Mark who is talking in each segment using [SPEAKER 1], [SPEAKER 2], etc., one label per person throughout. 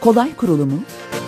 [SPEAKER 1] kolay kurulumu,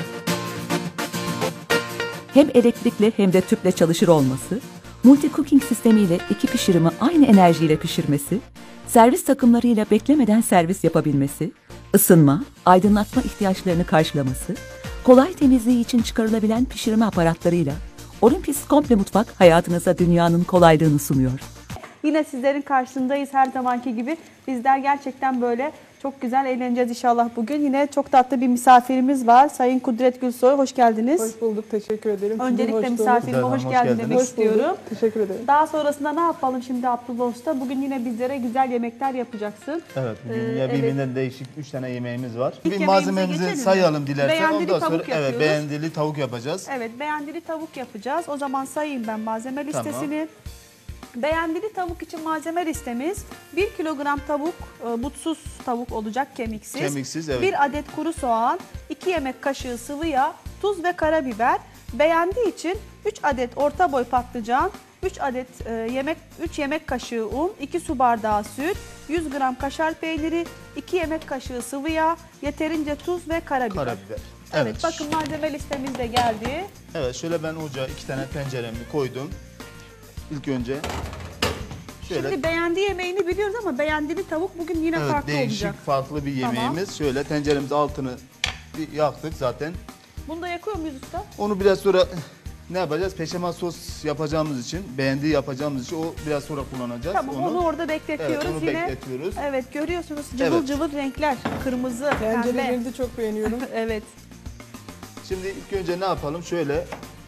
[SPEAKER 1] hem elektrikli hem de tüple çalışır olması, multi cooking sistemiyle iki pişirimi aynı enerjiyle pişirmesi, servis takımlarıyla beklemeden servis yapabilmesi, ısınma, aydınlatma ihtiyaçlarını karşılaması, kolay temizliği için çıkarılabilen pişirme aparatlarıyla Olympus Komple Mutfak hayatınıza dünyanın kolaylığını sunuyor.
[SPEAKER 2] Yine sizlerin karşısındayız her zamanki gibi. Bizler gerçekten böyle çok güzel eğleneceğiz inşallah bugün. Yine çok tatlı bir misafirimiz var. Sayın Kudret Gülsoy, hoş geldiniz.
[SPEAKER 3] Hoş bulduk, teşekkür ederim.
[SPEAKER 2] Öncelikle misafirime hoş geldin demek
[SPEAKER 3] Hoş
[SPEAKER 2] istiyorum.
[SPEAKER 3] bulduk, teşekkür ederim.
[SPEAKER 2] Daha sonrasında ne yapalım şimdi Abdullah Usta? Bugün yine bizlere güzel yemekler yapacaksın.
[SPEAKER 4] Evet, bugün yine birbirinden değişik 3 tane yemeğimiz var.
[SPEAKER 2] İlk
[SPEAKER 4] Bir
[SPEAKER 2] yemeğimize
[SPEAKER 4] malzememizi
[SPEAKER 2] geçelim mi?
[SPEAKER 4] sayalım dilersen.
[SPEAKER 2] Beğendili
[SPEAKER 4] Ondan
[SPEAKER 2] tavuk
[SPEAKER 4] sonra
[SPEAKER 2] yapıyoruz.
[SPEAKER 4] beğendili tavuk yapacağız.
[SPEAKER 2] Evet, beğendili tavuk yapacağız. O zaman sayayım ben malzeme
[SPEAKER 4] Tamam.
[SPEAKER 2] listesini. Beğendili tavuk için malzeme listemiz 1 kilogram tavuk, butsuz tavuk olacak, kemiksiz.
[SPEAKER 4] Kemiksiz, evet.
[SPEAKER 2] 1 adet kuru soğan, 2 yemek kaşığı sıvı yağ, tuz ve karabiber. Beğendiği için 3 adet orta boy patlıcan, 3 yemek kaşığı un, 2 su bardağı süt, 100 gram kaşar peyniri, 2 yemek kaşığı sıvı yağ, yeterince tuz ve karabiber.
[SPEAKER 4] Karabiber.
[SPEAKER 2] Evet, bakın malzeme listemiz de geldi.
[SPEAKER 4] Evet, şöyle ben ocağa 2 tane tenceremi koydum. İlk önce şöyle
[SPEAKER 2] Şimdi beğendiği yemeğini biliyoruz ama beğendili tavuk bugün yine farklı
[SPEAKER 4] değişik,
[SPEAKER 2] olacak.
[SPEAKER 4] farklı bir yemeğimiz.
[SPEAKER 2] Tamam.
[SPEAKER 4] Şöyle tenceremizin altını bir yaktık zaten.
[SPEAKER 2] Bunu da yakıyor muyuz usta?
[SPEAKER 4] Onu biraz sonra ne yapacağız? Peşamel sos yapacağımız için, beğendiği yapacağımız için o biraz sonra kullanacağız.
[SPEAKER 2] Tamam, onu orada bekletiyoruz.
[SPEAKER 4] Evet, onu
[SPEAKER 2] yine.
[SPEAKER 4] bekletiyoruz.
[SPEAKER 2] Evet, görüyorsunuz cıvıl
[SPEAKER 4] Evet.
[SPEAKER 2] cıvıl renkler. Kırmızı, pembe.
[SPEAKER 3] Tencerelerini de çok beğeniyorum.
[SPEAKER 2] Evet.
[SPEAKER 4] Şimdi ilk önce ne yapalım? Şöyle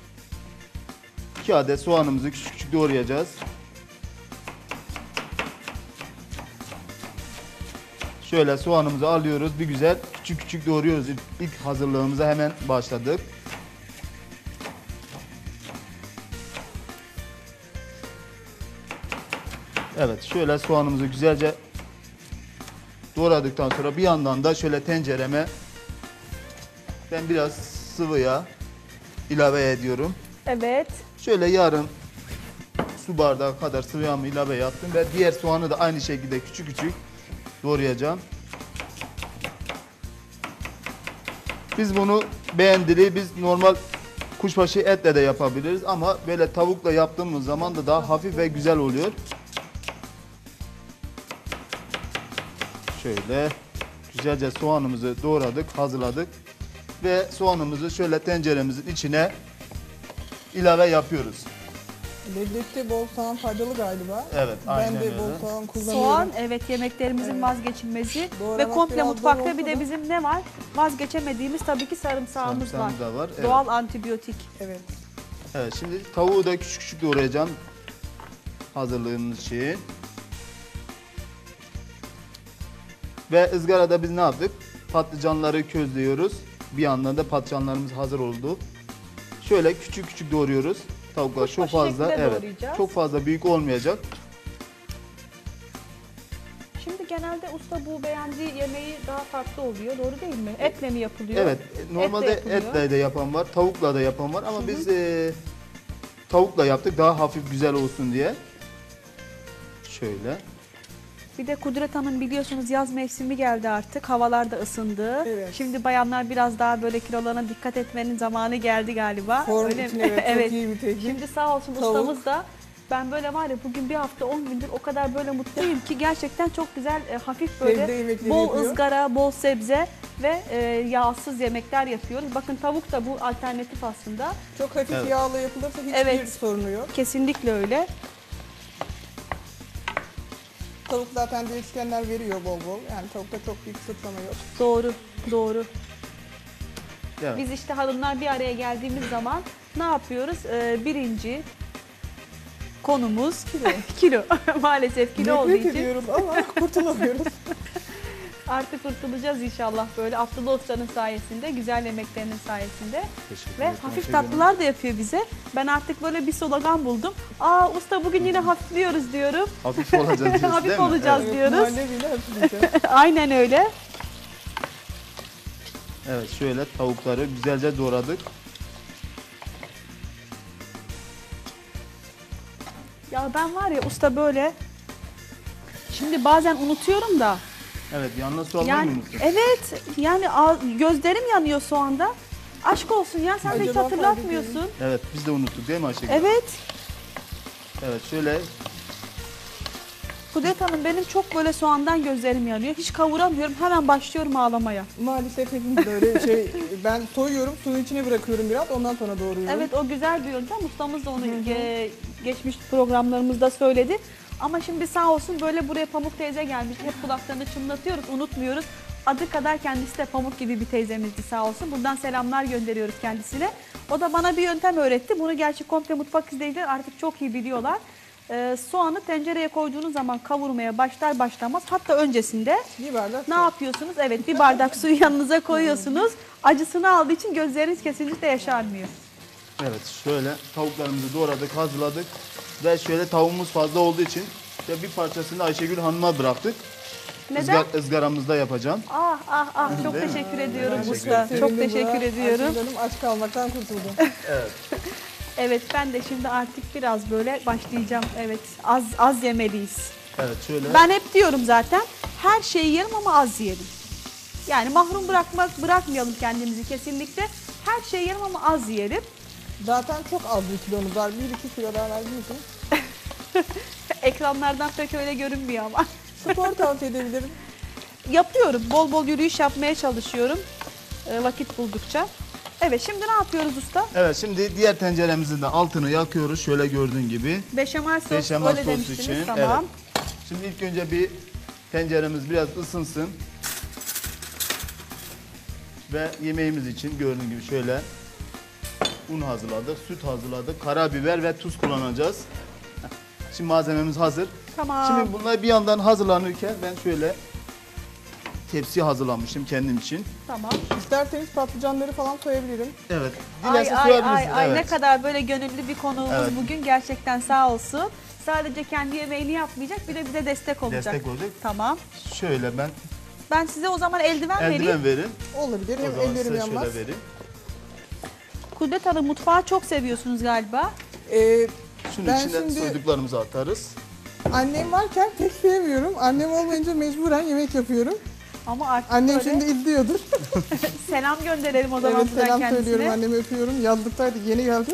[SPEAKER 4] 2 adet soğanımızı küçük küçük doğrayacağız. Şöyle soğanımızı alıyoruz. Bir güzel küçük küçük doğruyoruz. İlk hazırlığımıza hemen başladık. Evet, şöyle soğanımızı güzelce doğradıktan sonra bir yandan da şöyle tencereme ben biraz sıvı yağ ilave ediyorum.
[SPEAKER 2] Evet.
[SPEAKER 4] Şöyle yarım su bardağı kadar sıvı yağımı ilave yaptım ve diğer soğanı da aynı şekilde küçük küçük doğrayacağım. Biz bunu beğendili, biz normal kuşbaşı etle de yapabiliriz ama böyle tavukla yaptığımız zaman da daha hafif ve güzel oluyor. Şöyle güzelce soğanımızı doğradık, hazırladık ve soğanımızı şöyle tenceremizin içine ilave yapıyoruz.
[SPEAKER 3] Lezzette bol soğan faydalı galiba.
[SPEAKER 4] Evet, aynen
[SPEAKER 3] Ben de
[SPEAKER 4] öyle.
[SPEAKER 3] bol soğan kullanıyorum.
[SPEAKER 2] Soğan, evet, yemeklerimizin
[SPEAKER 3] Evet.
[SPEAKER 2] vazgeçilmezi.
[SPEAKER 3] Doğramak
[SPEAKER 2] Ve komple
[SPEAKER 3] biraz
[SPEAKER 2] mutfakta
[SPEAKER 3] zor
[SPEAKER 2] bir
[SPEAKER 3] olsa
[SPEAKER 2] de
[SPEAKER 3] da.
[SPEAKER 2] bizim ne var? Vazgeçemediğimiz tabii ki sarımsağımız
[SPEAKER 4] Sarımsağımız da var, evet.
[SPEAKER 2] Doğal antibiyotik.
[SPEAKER 3] Evet.
[SPEAKER 4] Evet, şimdi tavuğu da küçük küçük doğrayacağım hazırlığımız için. Ve ızgarada biz ne yaptık? Patlıcanları közlüyoruz. Bir yandan da patlıcanlarımız hazır oldu. Şöyle küçük küçük doğruyoruz. Tavuklar çok
[SPEAKER 2] Kuşbaşı
[SPEAKER 4] fazla,
[SPEAKER 2] şeklinde
[SPEAKER 4] evet,
[SPEAKER 2] doğrayacağız.
[SPEAKER 4] çok fazla büyük olmayacak.
[SPEAKER 2] Şimdi genelde usta bu beğendiği yemeği daha farklı oluyor. Doğru değil mi? Etle mi yapılıyor?
[SPEAKER 4] Evet, normalde
[SPEAKER 2] yapılıyor.
[SPEAKER 4] etle de yapan var, tavukla da yapan var ama biz tavukla yaptık daha hafif güzel olsun diye. Şöyle.
[SPEAKER 2] Bir de Kudret Hanım biliyorsunuz yaz mevsimi geldi artık. Havalar da ısındı.
[SPEAKER 3] Evet.
[SPEAKER 2] Şimdi bayanlar biraz daha böyle kilolarına dikkat etmenin zamanı geldi galiba.
[SPEAKER 3] Form
[SPEAKER 2] Öyle
[SPEAKER 3] için
[SPEAKER 2] mi?
[SPEAKER 3] evet, çok iyi bir teknik.
[SPEAKER 2] Şimdi sağ olsun
[SPEAKER 3] Tavuk.
[SPEAKER 2] ustamız da ben böyle var ya bugün bir hafta 10 gündür o kadar böyle mutluyum ki gerçekten çok güzel hafif
[SPEAKER 3] Sebze
[SPEAKER 2] böyle
[SPEAKER 3] yemekleri
[SPEAKER 2] bol
[SPEAKER 3] yapıyor.
[SPEAKER 2] ızgara, bol sebze ve yağsız yemekler yapıyoruz. Bakın tavuk da bu alternatif aslında.
[SPEAKER 3] Çok hafif
[SPEAKER 4] Evet.
[SPEAKER 3] yağla yapılırsa hiçbir
[SPEAKER 2] Evet.
[SPEAKER 3] sorunu yok.
[SPEAKER 2] Kesinlikle öyle.
[SPEAKER 3] Tavuk zaten değişkenler veriyor bol bol. Yani tavukta çok büyük sıçrama yok.
[SPEAKER 2] Doğru, doğru.
[SPEAKER 4] Evet.
[SPEAKER 2] Biz işte hanımlar bir araya geldiğimiz zaman ne yapıyoruz? Birinci konumuz kilo. Maalesef kilo olduğu
[SPEAKER 3] Nefret
[SPEAKER 2] için
[SPEAKER 3] ediyoruz ama kurtulamıyoruz.
[SPEAKER 2] artık kurtulacağız inşallah böyle Abdullah Usta'nın sayesinde, güzel yemeklerinin sayesinde.
[SPEAKER 4] Teşekkür
[SPEAKER 2] Ve
[SPEAKER 4] ederim.
[SPEAKER 2] hafif
[SPEAKER 4] Teşekkür ederim.
[SPEAKER 2] tatlılar da yapıyor bize. Ben artık böyle bir slogan buldum. Aa usta bugün yine hafifliyoruz diyorum.
[SPEAKER 4] Hafif olacağız diyorsun
[SPEAKER 2] Hafif
[SPEAKER 4] değil mi?
[SPEAKER 2] olacağız.
[SPEAKER 4] Evet.
[SPEAKER 2] Diyoruz.
[SPEAKER 3] Muhallebiyle hafifleyeceğiz.
[SPEAKER 2] Aynen öyle.
[SPEAKER 4] Evet, şöyle tavukları güzelce doğradık.
[SPEAKER 2] Ya ben var ya usta böyle, şimdi bazen unutuyorum da
[SPEAKER 4] Evet, yanına su almayı
[SPEAKER 2] Yani
[SPEAKER 4] mı unuttun?
[SPEAKER 2] evet yani gözlerim yanıyor şu anda. Aşk olsun ya sen de hiç
[SPEAKER 3] Acaba
[SPEAKER 2] hatırlatmıyorsun.
[SPEAKER 4] Evet, biz de unuttuk değil mi Ayşegül?
[SPEAKER 2] Evet.
[SPEAKER 4] Evet, şöyle
[SPEAKER 2] Kudret Hanım benim çok böyle soğandan gözlerim yanıyor. Hiç kavuramıyorum. Hemen başlıyorum ağlamaya.
[SPEAKER 3] Maalesef hepimiz böyle ben soyuyorum, suyun içine bırakıyorum biraz, ondan sonra doğruyorum.
[SPEAKER 2] Evet o güzel bir yöntem. Ustamız da onu geçmiş programlarımızda söyledi. Ama şimdi sağ olsun böyle buraya Pamuk teyze gelmiş. Hep kulaklarını çınlatıyoruz, unutmuyoruz. Adı kadar kendisi de Pamuk gibi bir teyzemizdi sağ olsun. Buradan selamlar gönderiyoruz kendisine. O da bana bir yöntem öğretti. Bunu gerçi komple mutfak izleyiciler artık çok iyi biliyorlar. Soğanı tencereye koyduğunuz zaman kavurmaya başlar başlamaz, hatta öncesinde
[SPEAKER 3] Bir bardak
[SPEAKER 2] ne
[SPEAKER 3] su.
[SPEAKER 2] yapıyorsunuz? Evet, bir bardak suyu yanınıza koyuyorsunuz. Acısını aldığı için gözleriniz kesinlikle yaşarmıyor.
[SPEAKER 4] evet şöyle tavuklarımızı doğradık, hazırladık ve şöyle tavuğumuz fazla olduğu için işte bir parçasını Ayşegül Hanım'a bıraktık.
[SPEAKER 2] Neden?
[SPEAKER 4] Izgaramızda yapacağım.
[SPEAKER 2] Ah ah ah çok
[SPEAKER 4] Değil mi?
[SPEAKER 2] teşekkür ediyorum
[SPEAKER 4] Teşekkür
[SPEAKER 2] usta.
[SPEAKER 3] Sevindim
[SPEAKER 2] Çok
[SPEAKER 3] buna.
[SPEAKER 2] teşekkür ediyorum.
[SPEAKER 3] Ayşegül Hanım aç kalmaktan kurtuldu.
[SPEAKER 2] Evet ben de şimdi artık biraz böyle başlayacağım. Evet az yemeliyiz.
[SPEAKER 4] Evet şöyle.
[SPEAKER 2] Ben hep diyorum zaten her şeyi yerim ama az yiyelim. Yani mahrum bırakmayalım kendimizi kesinlikle. Her şeyi yerim ama az yiyelim.
[SPEAKER 3] Zaten çok az bir kilomuz var. 1-2 kilo daha verdiğim için.
[SPEAKER 2] Ekranlardan pek öyle görünmüyor ama.
[SPEAKER 3] Spor tavsiye edebilirim.
[SPEAKER 2] Yapıyorum. Bol bol yürüyüş yapmaya çalışıyorum. Vakit buldukça. Evet şimdi ne yapıyoruz usta?
[SPEAKER 4] Evet şimdi diğer tenceremizin de altını yakıyoruz şöyle gördüğün gibi.
[SPEAKER 2] Beşamel sos
[SPEAKER 4] Beşamel
[SPEAKER 2] öyle
[SPEAKER 4] sos
[SPEAKER 2] demiştiniz.
[SPEAKER 4] için,
[SPEAKER 2] Tamam.
[SPEAKER 4] Şimdi ilk önce bir tenceremiz biraz ısınsın. Ve yemeğimiz için gördüğün gibi şöyle un hazırladık, süt hazırladık, karabiber ve tuz kullanacağız. Şimdi malzememiz hazır.
[SPEAKER 2] Tamam.
[SPEAKER 4] Şimdi bunlar bir yandan hazırlanırken ben şöyle tepsi hazırlamıştım kendim için.
[SPEAKER 2] Tamam.
[SPEAKER 3] İsterseniz patlıcanları falan soyabilirim.
[SPEAKER 4] Evet.
[SPEAKER 2] Ay
[SPEAKER 4] Dilerse
[SPEAKER 2] ay
[SPEAKER 4] soyabilirsiniz.
[SPEAKER 2] ay
[SPEAKER 4] Evet.
[SPEAKER 2] ne kadar böyle gönüllü bir konuğumuz
[SPEAKER 4] Evet.
[SPEAKER 2] bugün gerçekten sağ olsun. Sadece kendi yemeğini yapmayacak bir de bize destek olacak.
[SPEAKER 4] Destek olacak.
[SPEAKER 2] Tamam.
[SPEAKER 4] Şöyle ben
[SPEAKER 2] Ben size o zaman eldiven vereyim.
[SPEAKER 4] eldiven verin.
[SPEAKER 3] Olabilir.
[SPEAKER 4] O
[SPEAKER 3] Hem
[SPEAKER 4] zaman
[SPEAKER 3] ellerim
[SPEAKER 4] size
[SPEAKER 3] yanmaz.
[SPEAKER 4] şöyle vereyim.
[SPEAKER 2] Kudret Hanım mutfağı çok seviyorsunuz galiba.
[SPEAKER 4] Şunun
[SPEAKER 3] Ben
[SPEAKER 4] içine
[SPEAKER 3] şimdi-
[SPEAKER 4] soyduklarımızı atarız.
[SPEAKER 3] Annem varken pek sevmiyorum. Annem olmayınca mecburen yemek yapıyorum.
[SPEAKER 2] Ama artık
[SPEAKER 3] Annem
[SPEAKER 2] böyle
[SPEAKER 3] şimdi izliyordur.
[SPEAKER 2] selam gönderelim o zaman
[SPEAKER 3] Evet,
[SPEAKER 2] buradan
[SPEAKER 3] selam
[SPEAKER 2] kendisine.
[SPEAKER 3] söylüyorum. Annemi öpüyorum. Yazlıktaydı, yeni geldi.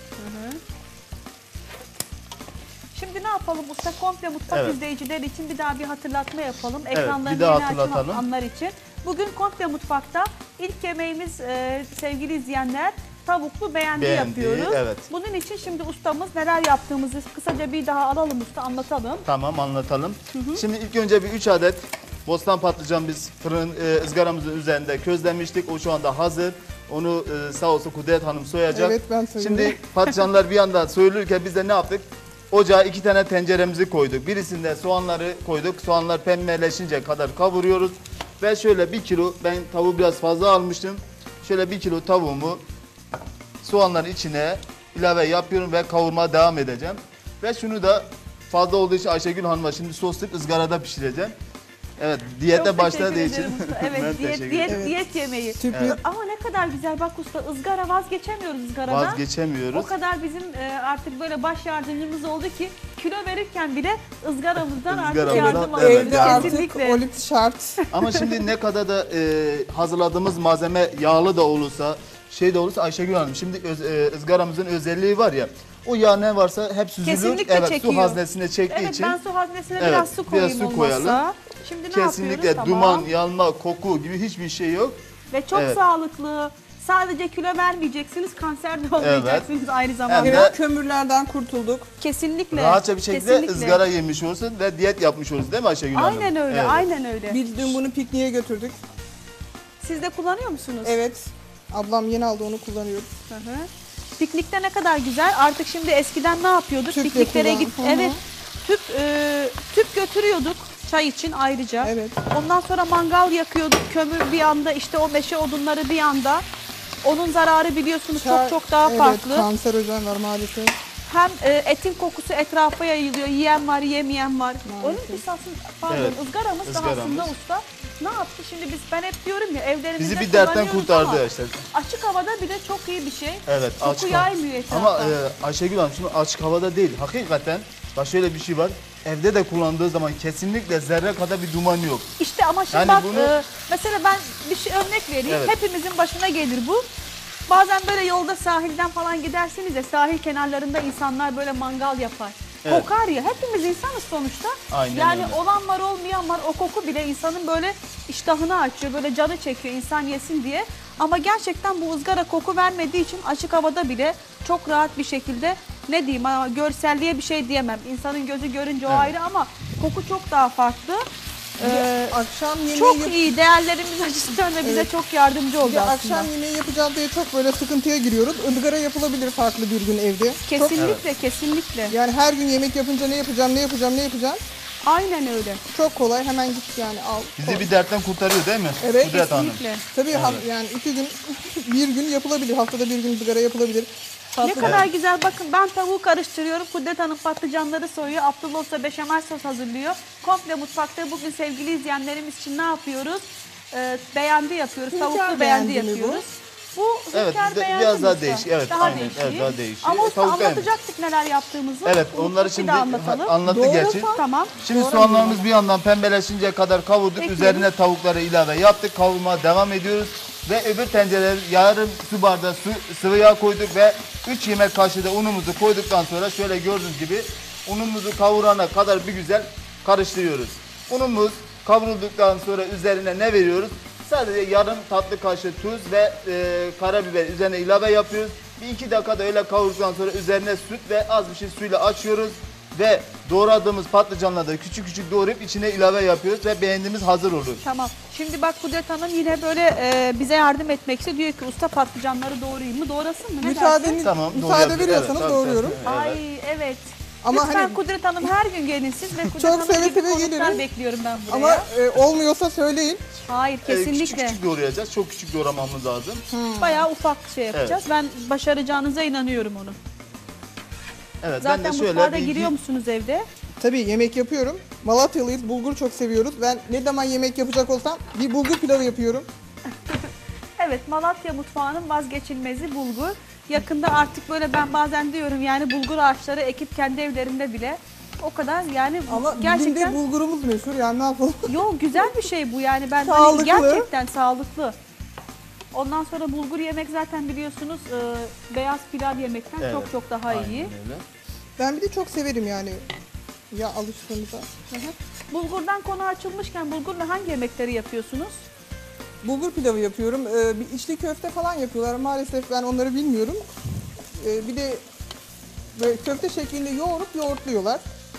[SPEAKER 2] Şimdi ne yapalım usta? Komple mutfak
[SPEAKER 4] Evet.
[SPEAKER 2] izleyicileri için bir daha bir hatırlatma yapalım.
[SPEAKER 4] Evet,
[SPEAKER 2] Ekranlarını
[SPEAKER 4] bir daha
[SPEAKER 2] yeni açan
[SPEAKER 4] hatırlatalım.
[SPEAKER 2] anlar için. Bugün komple mutfakta ilk yemeğimiz sevgili izleyenler tavuklu beğendi yapıyoruz.
[SPEAKER 4] evet.
[SPEAKER 2] Bunun için şimdi ustamız neler yaptığımızı kısaca bir daha alalım usta anlatalım.
[SPEAKER 4] Tamam anlatalım. Şimdi ilk önce bir 3 adet bostan patlıcan biz fırın ızgaramızın üzerinde közlemiştik. O şu anda hazır. Onu sağ olsun Kudret Hanım soyacak.
[SPEAKER 3] Evet, ben soyuyorum.
[SPEAKER 4] Şimdi patlıcanlar bir yanda soyulurken biz de ne yaptık? Ocağa 2 tane tenceremizi koyduk. Birisinde soğanları koyduk. Soğanlar pembeleşince kadar kavuruyoruz. Ve şöyle 1 kilo, ben tavuğu biraz fazla almıştım. Şöyle 1 kilo tavuğumu soğanların içine ilave yapıyorum ve kavurmaya devam edeceğim. Ve şunu da fazla olduğu için Ayşegül Hanım'a şimdi soslayıp ızgarada pişireceğim. Evet, diyete
[SPEAKER 2] Çok
[SPEAKER 4] başladığı
[SPEAKER 2] teşekkür
[SPEAKER 4] için.
[SPEAKER 2] ederim usta. Evet
[SPEAKER 4] Ben
[SPEAKER 2] diyet,
[SPEAKER 4] teşekkür
[SPEAKER 2] diyet,
[SPEAKER 4] ederim.
[SPEAKER 2] diyet yemeği.
[SPEAKER 3] Sürpriz.
[SPEAKER 2] Ama ne kadar güzel bak usta ızgara vazgeçemiyoruz ızgaradan.
[SPEAKER 4] Vazgeçemiyoruz.
[SPEAKER 2] O kadar bizim artık böyle baş yardımcımız oldu ki kilo verirken bile ızgaramızdan artık
[SPEAKER 4] Izgaramızdan,
[SPEAKER 2] yardım
[SPEAKER 4] evet,
[SPEAKER 2] alıyoruz.
[SPEAKER 3] Evde
[SPEAKER 4] yani.
[SPEAKER 3] artık
[SPEAKER 2] Kesinlikle.
[SPEAKER 3] olit şart.
[SPEAKER 4] Ama şimdi ne kadar da hazırladığımız malzeme yağlı da olursa, şey de olursa Ayşegül Hanım şimdi ızgaramızın özelliği var ya. O yağ ne varsa hep süzülür.
[SPEAKER 2] Kesinlikle
[SPEAKER 4] evet,
[SPEAKER 2] çekiyor.
[SPEAKER 4] su haznesine çektiği
[SPEAKER 2] Evet
[SPEAKER 4] için
[SPEAKER 2] ben su haznesine
[SPEAKER 4] Evet,
[SPEAKER 2] biraz su koyayım
[SPEAKER 4] biraz su
[SPEAKER 2] olmazsa.
[SPEAKER 4] koyalım.
[SPEAKER 2] Şimdi ne
[SPEAKER 4] kesinlikle
[SPEAKER 2] yapıyoruz?
[SPEAKER 4] duman,
[SPEAKER 2] Tamam.
[SPEAKER 4] yanma, koku gibi hiçbir şey yok.
[SPEAKER 2] Ve çok
[SPEAKER 4] Evet.
[SPEAKER 2] sağlıklı. Sadece kilo vermeyeceksiniz, kanser de olmayacaksınız aynı zamanda.
[SPEAKER 4] Hem de-
[SPEAKER 3] Evet, kömürlerden kurtulduk.
[SPEAKER 2] Kesinlikle.
[SPEAKER 4] Rahatça bir şekilde
[SPEAKER 2] kesinlikle.
[SPEAKER 4] ızgara yemiş olursun ve diyet yapmış olursun değil mi Ayşegül Hanım?
[SPEAKER 2] Aynen öyle,
[SPEAKER 4] Evet.
[SPEAKER 2] aynen öyle.
[SPEAKER 3] Biz dün bunu pikniğe götürdük.
[SPEAKER 2] Siz de kullanıyor musunuz?
[SPEAKER 3] Evet. Ablam yeni aldı, onu kullanıyoruz.
[SPEAKER 2] Hı hı. Piknikte ne kadar güzel. Artık şimdi eskiden ne yapıyorduk?
[SPEAKER 3] Tüple
[SPEAKER 2] Pikniklere
[SPEAKER 3] kullan.
[SPEAKER 2] git.
[SPEAKER 3] Hı hı.
[SPEAKER 2] Evet. Tüp götürüyorduk çay için ayrıca.
[SPEAKER 3] Evet.
[SPEAKER 2] Ondan sonra mangal yakıyorduk. Kömür bir yanda, işte o meşe odunları bir yanda. Onun zararı biliyorsunuz
[SPEAKER 3] Çay-
[SPEAKER 2] çok daha
[SPEAKER 3] evet,
[SPEAKER 2] farklı.
[SPEAKER 3] kanserojen var maalesef.
[SPEAKER 2] Hem etin kokusu etrafa yayılıyor. Yiyen var, yemeyen var.
[SPEAKER 3] Maalesef.
[SPEAKER 2] Onun esasında pardon
[SPEAKER 4] Evet,
[SPEAKER 2] ızgaramız da
[SPEAKER 4] ızgaramız.
[SPEAKER 2] aslında usta. Ne yaptı şimdi ben hep diyorum ya evlerimizde
[SPEAKER 4] Bizi bir dertten
[SPEAKER 2] kullanıyoruz
[SPEAKER 4] kurtardı
[SPEAKER 2] ama
[SPEAKER 4] işte.
[SPEAKER 2] açık havada bile çok iyi bir şey.
[SPEAKER 4] Evet,
[SPEAKER 2] Koku
[SPEAKER 4] açık
[SPEAKER 2] yaymıyor etrafa.
[SPEAKER 4] Ama Ayşegül Hanım şimdi açık havada değil. Hakikaten bak şöyle bir şey var. evde de kullandığı zaman kesinlikle zerre kadar bir duman yok.
[SPEAKER 2] İşte ama şimdi
[SPEAKER 4] Yani
[SPEAKER 2] bak
[SPEAKER 4] bunu-
[SPEAKER 2] mesela ben bir şey örnek vereyim.
[SPEAKER 4] Evet.
[SPEAKER 2] Hepimizin başına gelir bu. Bazen böyle yolda sahilden falan gidersiniz ya, sahil kenarlarında insanlar böyle mangal yapar.
[SPEAKER 4] Evet.
[SPEAKER 2] Kokar ya, hepimiz insanız sonuçta.
[SPEAKER 4] Aynen
[SPEAKER 2] yani
[SPEAKER 4] öyle.
[SPEAKER 2] olan var olmayan var, o koku bile insanın böyle iştahını açıyor, böyle canı çekiyor insan yesin diye. Ama gerçekten bu ızgara koku vermediği için açık havada bile çok rahat bir şekilde, ne diyeyim ama görselliğe bir şey diyemem. İnsanın gözü görünce o
[SPEAKER 4] Evet.
[SPEAKER 2] ayrı ama koku çok daha farklı.
[SPEAKER 3] Akşam yemeği
[SPEAKER 2] Çok iyi, değerlerimiz açısından da bize çok yardımcı oldu
[SPEAKER 3] Bir de
[SPEAKER 2] aslında.
[SPEAKER 3] akşam yemeği yapacağız diye çok böyle sıkıntıya giriyoruz. Izgara yapılabilir farklı bir gün evde. Çok,
[SPEAKER 2] Kesinlikle, kesinlikle.
[SPEAKER 3] yani her gün yemek yapınca ne yapacağım, ne yapacağım, ne yapacağım.
[SPEAKER 2] Aynen öyle.
[SPEAKER 3] Çok kolay, hemen git yani al.
[SPEAKER 4] Bizi
[SPEAKER 3] koy.
[SPEAKER 4] bir dertten kurtarıyor değil mi?
[SPEAKER 3] Evet,
[SPEAKER 4] Kudret Hanım.
[SPEAKER 2] Kesinlikle.
[SPEAKER 3] Tabii yani 2 gün, bir gün yapılabilir. Haftada bir gün ızgara yapılabilir.
[SPEAKER 2] Ne
[SPEAKER 3] Tatlı-
[SPEAKER 2] kadar güzel, bakın ben tavuğu karıştırıyorum. Kudret Hanım patlıcanları soyuyor. Abdullah Usta beşamel sos hazırlıyor. Komple mutfakta bugün sevgili izleyenlerimiz için ne yapıyoruz? Beğendi yapıyoruz.
[SPEAKER 3] Hünkâr
[SPEAKER 2] Tavuklu beğendi
[SPEAKER 3] beğendi mi bu?
[SPEAKER 2] yapıyoruz. Bu
[SPEAKER 4] Evet,
[SPEAKER 2] hünkâr beğendi
[SPEAKER 4] biraz daha
[SPEAKER 2] usta.
[SPEAKER 4] değişik. Evet,
[SPEAKER 2] daha
[SPEAKER 4] aynen.
[SPEAKER 2] değişik.
[SPEAKER 4] Evet, daha değişik.
[SPEAKER 2] Ama usta
[SPEAKER 4] Tavuk beğendi.
[SPEAKER 2] anlatacaktık neler yaptığımızı.
[SPEAKER 4] Evet,
[SPEAKER 2] Unuttuk,
[SPEAKER 4] onları
[SPEAKER 2] bir
[SPEAKER 4] şimdi
[SPEAKER 2] daha anlatalım.
[SPEAKER 4] anlattık
[SPEAKER 3] Doğru
[SPEAKER 4] gerçi.
[SPEAKER 3] tam.
[SPEAKER 2] Tamam.
[SPEAKER 4] Şimdi
[SPEAKER 3] Doğru
[SPEAKER 4] soğanlarımız bir yandan pembeleşinceye kadar kavurduk.
[SPEAKER 2] Ekledim.
[SPEAKER 4] Üzerine tavukları ilave yaptık. Kavurmaya devam ediyoruz. Ve öbür tencereye yarım su bardağı sıvı yağ koyduk ve 3 yemek kaşığı da unumuzu koyduktan sonra şöyle gördüğünüz gibi unumuzu kavurana kadar bir güzel karıştırıyoruz. Unumuz kavrulduktan sonra üzerine ne veriyoruz? Sadece yarım tatlı kaşığı tuz ve karabiber üzerine ilave yapıyoruz. Bir 2 dakika da öyle kavurduktan sonra üzerine süt ve az bir şey suyla açıyoruz. Ve doğradığımız patlıcanları da küçük küçük doğrayıp içine ilave yapıyoruz ve beğendiğimiz hazır olur.
[SPEAKER 2] Tamam. Şimdi bak Kudret Hanım yine böyle bize yardım etmek istiyor. Diyor ki usta patlıcanları doğrayayım mı? Doğrasın mı? Ne dersin?
[SPEAKER 4] Tamam,
[SPEAKER 3] müsaade
[SPEAKER 4] doğrayabilir.
[SPEAKER 3] veriyorsanız
[SPEAKER 4] Evet,
[SPEAKER 3] doğruyorum.
[SPEAKER 4] tabii. Evet.
[SPEAKER 2] Ay evet.
[SPEAKER 3] Ama
[SPEAKER 2] Lütfen
[SPEAKER 3] hani-
[SPEAKER 2] Kudret Hanım her gün gelin siz ve Kudret
[SPEAKER 3] Çok
[SPEAKER 2] Hanım
[SPEAKER 3] seve
[SPEAKER 2] gibi
[SPEAKER 3] seve
[SPEAKER 2] konuklar
[SPEAKER 3] gelirim.
[SPEAKER 2] bekliyorum ben buraya.
[SPEAKER 3] Ama olmuyorsa söyleyin.
[SPEAKER 2] Hayır
[SPEAKER 4] Küçük
[SPEAKER 2] kesinlikle.
[SPEAKER 4] küçük doğrayacağız. Çok küçük doğramamız lazım.
[SPEAKER 2] Bayağı ufak şey yapacağız. Ben başaracağınıza inanıyorum onu.
[SPEAKER 4] Evet,
[SPEAKER 2] Zaten
[SPEAKER 4] ben de
[SPEAKER 2] mutfağa da
[SPEAKER 4] şöyle
[SPEAKER 2] giriyor musunuz evde?
[SPEAKER 3] Tabii yemek yapıyorum. Malatyalıyız, bulgur çok seviyoruz. Ben ne zaman yemek yapacak olsam bir bulgur pilavı yapıyorum.
[SPEAKER 2] Evet, Malatya mutfağının vazgeçilmezi bulgur. Yakında artık böyle ben bazen diyorum yani bulgur ağaçları ekip kendi evlerinde bile o kadar yani
[SPEAKER 3] Ama
[SPEAKER 2] gerçekten
[SPEAKER 3] bizim de bulgurumuz meşhur yani ne yapalım.
[SPEAKER 2] Yo güzel bir şey bu yani ben hani
[SPEAKER 3] Sağlıklı.
[SPEAKER 2] gerçekten sağlıklı. Ondan sonra bulgur yemek zaten biliyorsunuz beyaz pilav yemekten
[SPEAKER 4] Evet,
[SPEAKER 2] çok çok daha
[SPEAKER 4] aynen
[SPEAKER 2] iyi.
[SPEAKER 4] öyle.
[SPEAKER 3] Ben bir de çok severim yani. Ya alıştığımıza.
[SPEAKER 2] Bulgurdan konu açılmışken bulgurla hangi yemekleri yapıyorsunuz?
[SPEAKER 3] Bulgur pilavı yapıyorum. Bir içli köfte falan yapıyorlar. Maalesef ben onları bilmiyorum. Bir de böyle köfte şeklinde yoğurup yoğurtluyorlar.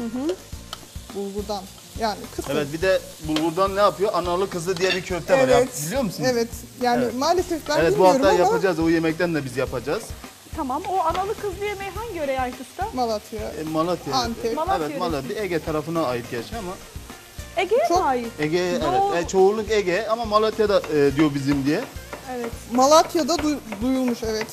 [SPEAKER 3] Bulgurdan. Yani kısır.
[SPEAKER 4] Evet, bir de bulgurdan ne yapıyor? Analı kızı diye bir köfte var ya. Biliyor musunuz?
[SPEAKER 3] Evet. Yani
[SPEAKER 4] Evet.
[SPEAKER 3] maalesef ben
[SPEAKER 4] Evet, bu
[SPEAKER 3] bilmiyorum
[SPEAKER 4] hafta
[SPEAKER 3] ama
[SPEAKER 4] yapacağız. O yemekten de biz yapacağız.
[SPEAKER 2] Tamam, o analı kızlı yemeği hangi yöreye ait usta?
[SPEAKER 3] Malatya.
[SPEAKER 4] Malatya.
[SPEAKER 3] Antep.
[SPEAKER 2] Malatya
[SPEAKER 4] Evet, Malatya. Ege tarafına ait gerçi ama.
[SPEAKER 2] Ege'ye mi
[SPEAKER 3] Çok-
[SPEAKER 2] ait?
[SPEAKER 4] Ege,
[SPEAKER 2] Doğru.
[SPEAKER 4] evet. Çoğunluk Ege ama Malatya'da diyor bizim diye.
[SPEAKER 2] Evet.
[SPEAKER 3] Malatya'da duyulmuş evet.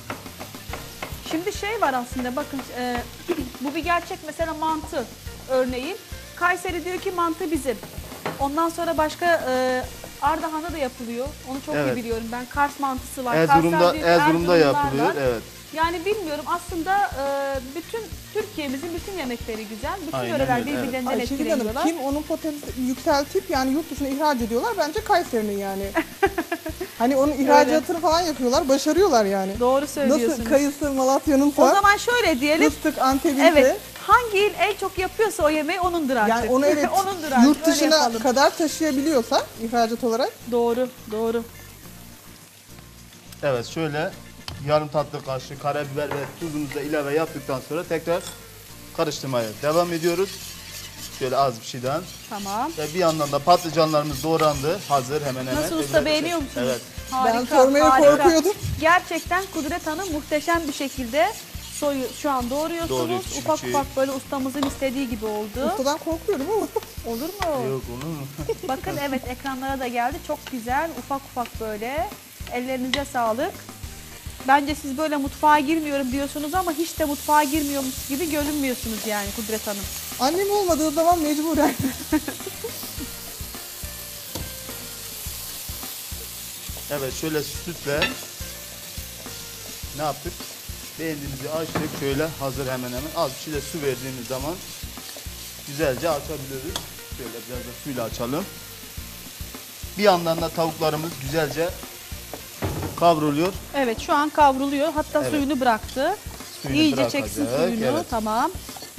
[SPEAKER 2] Şimdi şey var aslında bakın bu bir gerçek mesela mantı örneğin. Kayseri diyor ki mantı bizim. Ondan sonra başka Ardahan'da da yapılıyor. Onu çok iyi
[SPEAKER 4] Evet.
[SPEAKER 2] biliyorum ben. Kars mantısı var.
[SPEAKER 4] Erzurum'da
[SPEAKER 2] Karslar diyor ki
[SPEAKER 4] Erzurum'da
[SPEAKER 2] Erzurumlular
[SPEAKER 4] yapılıyor.
[SPEAKER 2] var.
[SPEAKER 4] Evet.
[SPEAKER 2] Yani bilmiyorum aslında bütün Türkiye'mizin bütün yemekleri güzel. Bütün
[SPEAKER 4] Aynen
[SPEAKER 2] yöreler
[SPEAKER 4] öyle, evet.
[SPEAKER 2] birbirlerinden
[SPEAKER 3] Ayşegül Hanım
[SPEAKER 2] etkileniyorlar.
[SPEAKER 3] kim onun potansiyelini yükseltip yani yurt dışına ihraç ediyorlar bence Kayseri'nin yani. Hani onun ihracatını falan yapıyorlar, başarıyorlar yani.
[SPEAKER 2] Doğru söylüyorsunuz.
[SPEAKER 3] Nasıl kayısı Malatya'nın
[SPEAKER 2] O zaman şöyle diyelim.
[SPEAKER 3] fıstık Antep'in
[SPEAKER 2] Evet. Hangi il en çok yapıyorsa o yemeği onundur artık.
[SPEAKER 3] yani onu evet
[SPEAKER 2] onundur artık.
[SPEAKER 3] yurt
[SPEAKER 2] Öyle
[SPEAKER 3] dışına
[SPEAKER 2] yapalım.
[SPEAKER 3] kadar taşıyabiliyorsa ihracat olarak
[SPEAKER 2] Doğru, doğru.
[SPEAKER 4] Evet, şöyle yarım tatlı kaşığı karabiber ve tuzumuzu da ilave yaptıktan sonra tekrar karıştırmaya devam ediyoruz. Şöyle az bir şeyden.
[SPEAKER 2] Tamam.
[SPEAKER 4] Ve bir yandan da patlıcanlarımız doğrandı. Hazır hemen hemen.
[SPEAKER 2] Nasıl usta,
[SPEAKER 4] Öbürleri-
[SPEAKER 2] beğeniyor musunuz?
[SPEAKER 4] Evet.
[SPEAKER 2] Harika,
[SPEAKER 3] ben sormaya
[SPEAKER 2] harika.
[SPEAKER 3] korkuyordum.
[SPEAKER 2] Gerçekten Kudret Hanım muhteşem bir şekilde şu an doğruyorsunuz.
[SPEAKER 4] Doğruyor, küçük
[SPEAKER 2] ufak
[SPEAKER 4] şey.
[SPEAKER 2] ufak böyle ustamızın istediği gibi oldu.
[SPEAKER 3] Ustadan korkuyorum ama.
[SPEAKER 2] Olur mu?
[SPEAKER 4] Yok, olur mu?
[SPEAKER 2] Bakın evet ekranlara da geldi. Çok güzel ufak ufak böyle. Ellerinize sağlık. Bence siz böyle mutfağa girmiyorum diyorsunuz ama hiç de mutfağa girmiyormuş gibi görünmüyorsunuz yani Kudret Hanım.
[SPEAKER 3] Annem olmadığı zaman mecburen.
[SPEAKER 4] Evet, şöyle sütle ne yaptık? Beğendiğimizi açtık. Şöyle hazır hemen hemen. Az bir şey de su verdiğimiz zaman güzelce açabiliyoruz. Şöyle biraz da suyla açalım. Bir yandan da tavuklarımız güzelce kavruluyor.
[SPEAKER 2] Evet, şu an kavruluyor. Hatta
[SPEAKER 4] Evet.
[SPEAKER 2] suyunu bıraktı.
[SPEAKER 4] Suyunu
[SPEAKER 2] İyice
[SPEAKER 4] bırakacak,
[SPEAKER 2] çeksin suyunu.
[SPEAKER 4] evet.
[SPEAKER 2] Tamam.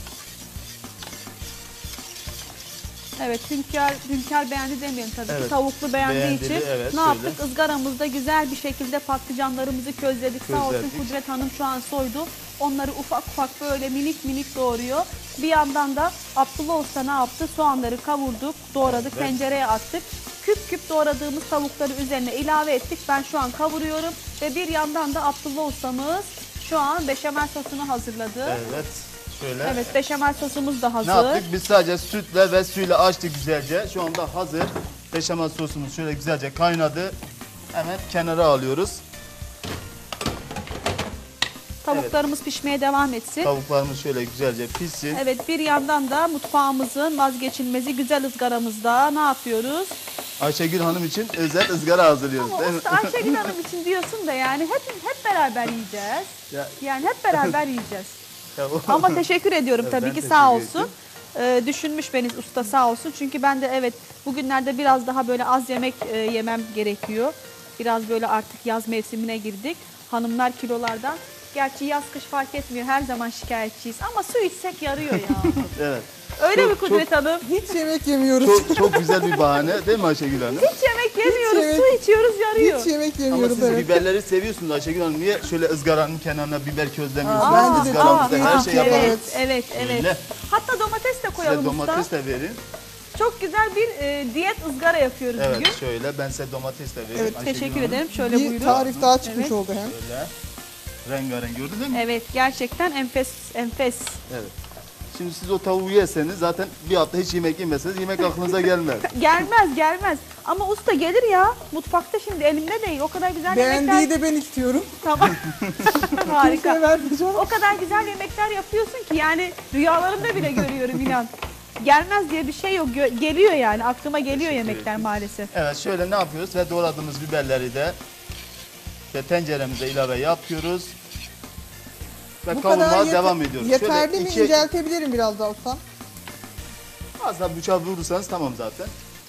[SPEAKER 2] Evet, Hünkar beğendi demeyelim tabii ki.
[SPEAKER 4] Evet,
[SPEAKER 2] Tavuklu beğendiği
[SPEAKER 4] beğendi,
[SPEAKER 2] için
[SPEAKER 4] evet,
[SPEAKER 2] ne
[SPEAKER 4] şöyle.
[SPEAKER 2] yaptık? Izgaramızda güzel bir şekilde patlıcanlarımızı közledik. Sağ olsun
[SPEAKER 4] Közledik.
[SPEAKER 2] Kudret Hanım şu an soydu. Onları ufak ufak böyle minik minik doğruyor. Bir yandan da Abdullah Usta ne yaptı? Soğanları kavurduk, doğradık,
[SPEAKER 4] Evet.
[SPEAKER 2] tencereye attık. Küp küp doğradığımız tavukları üzerine ilave ettik. Ben şu an kavuruyorum ve bir yandan da Abdullah Ustamız şu an beşamel sosunu hazırladı.
[SPEAKER 4] Evet. Şöyle.
[SPEAKER 2] Evet, beşamel sosumuz da hazır.
[SPEAKER 4] Ne yaptık? Biz sadece sütle ve suyla açtık güzelce. Şu anda hazır. Beşamel sosumuz şöyle güzelce kaynadı. Hemen kenara alıyoruz.
[SPEAKER 2] Tavuklarımız pişmeye devam etsin.
[SPEAKER 4] Tavuklarımız şöyle güzelce pişsin.
[SPEAKER 2] Evet, bir yandan da mutfağımızın vazgeçilmezi güzel ızgaramızda ne yapıyoruz?
[SPEAKER 4] Ayşegül Hanım için özel ızgara hazırlıyoruz
[SPEAKER 2] Ama
[SPEAKER 4] değil mi?
[SPEAKER 2] usta Ayşegül Hanım için diyorsun da yani hep beraber yiyeceğiz.
[SPEAKER 4] Ya-
[SPEAKER 2] Yani hep beraber yiyeceğiz.
[SPEAKER 4] Ya o-
[SPEAKER 2] Ama teşekkür ediyorum
[SPEAKER 4] Evet,
[SPEAKER 2] tabii
[SPEAKER 4] ben
[SPEAKER 2] ki
[SPEAKER 4] teşekkür
[SPEAKER 2] sağ
[SPEAKER 4] ettim.
[SPEAKER 2] olsun. Düşünmüş beni usta sağ olsun. Çünkü ben de evet bugünlerde biraz daha böyle az yemek yemem gerekiyor. Biraz böyle artık yaz mevsimine girdik. Hanımlar kilolardan. Gerçi yaz kış fark etmiyor. Her zaman şikayetçiyiz. Ama su içsek yarıyor ya.
[SPEAKER 4] Evet.
[SPEAKER 2] Öyle
[SPEAKER 4] Çok-
[SPEAKER 2] mi Kudret Hanım?
[SPEAKER 3] Hiç yemek yemiyoruz.
[SPEAKER 4] Çok güzel bir bahane değil mi Ayşegül Hanım?
[SPEAKER 2] Hiç yemek yemiyoruz,
[SPEAKER 3] yemek-
[SPEAKER 2] su içiyoruz yarıyor.
[SPEAKER 3] Hiç yemek
[SPEAKER 4] Ama
[SPEAKER 3] yemiyoruz
[SPEAKER 4] siz
[SPEAKER 3] evet.
[SPEAKER 4] biberleri seviyorsunuz Ayşegül Hanım. Niye şöyle ızgaranın kenarına biber közlemiyorsunuz?
[SPEAKER 3] bence de
[SPEAKER 4] Izgaramızda
[SPEAKER 3] çok
[SPEAKER 4] her
[SPEAKER 3] iyi.
[SPEAKER 4] şey yapalım.
[SPEAKER 2] Evet, evet, evet.
[SPEAKER 4] Öyle.
[SPEAKER 2] Hatta domates de
[SPEAKER 4] Size
[SPEAKER 2] koyalım
[SPEAKER 4] domates
[SPEAKER 2] usta.
[SPEAKER 4] de verin.
[SPEAKER 2] Çok güzel bir diyet ızgara yapıyoruz
[SPEAKER 4] Evet
[SPEAKER 2] bugün.
[SPEAKER 4] şöyle ben size domates de vereyim.
[SPEAKER 3] Evet,
[SPEAKER 4] Ayşegül
[SPEAKER 2] Teşekkür
[SPEAKER 4] Hanım.
[SPEAKER 2] ederim. Şöyle
[SPEAKER 3] Bir
[SPEAKER 2] buyurun.
[SPEAKER 3] tarif daha çıkmış
[SPEAKER 2] Evet.
[SPEAKER 3] oldu hem.
[SPEAKER 4] Şöyle rengarenk gördünüz mü?
[SPEAKER 2] Evet, gerçekten enfes, enfes.
[SPEAKER 4] Evet. Şimdi siz o tavuğu yerseniz zaten bir hafta hiç yemek yemeseniz yemek aklınıza gelmez.
[SPEAKER 2] Gelmez, gelmez. Ama usta gelir ya. Mutfakta şimdi elimde değil. O kadar güzel
[SPEAKER 3] Beğendiği
[SPEAKER 2] yemekler.
[SPEAKER 3] de ben istiyorum.
[SPEAKER 2] Tamam. Harika.
[SPEAKER 3] Kimseye vermeyeceğim.
[SPEAKER 2] O kadar güzel yemekler yapıyorsun ki yani rüyalarımda bile görüyorum inan. Gelmez diye bir şey yok. Geliyor yani. Aklıma geliyor yemekler maalesef.
[SPEAKER 4] Evet şöyle ne yapıyoruz ve doğradığımız biberleri de ve tenceremize ilave yapıyoruz. Ve
[SPEAKER 3] Bu kadar
[SPEAKER 4] kavurmaya devam ediyoruz.
[SPEAKER 3] yeterli
[SPEAKER 4] Şöyle
[SPEAKER 3] mi?
[SPEAKER 4] iki-
[SPEAKER 3] İnceltebilirim biraz daha ustam.
[SPEAKER 4] Az daha bıçağı vurursanız tamam zaten.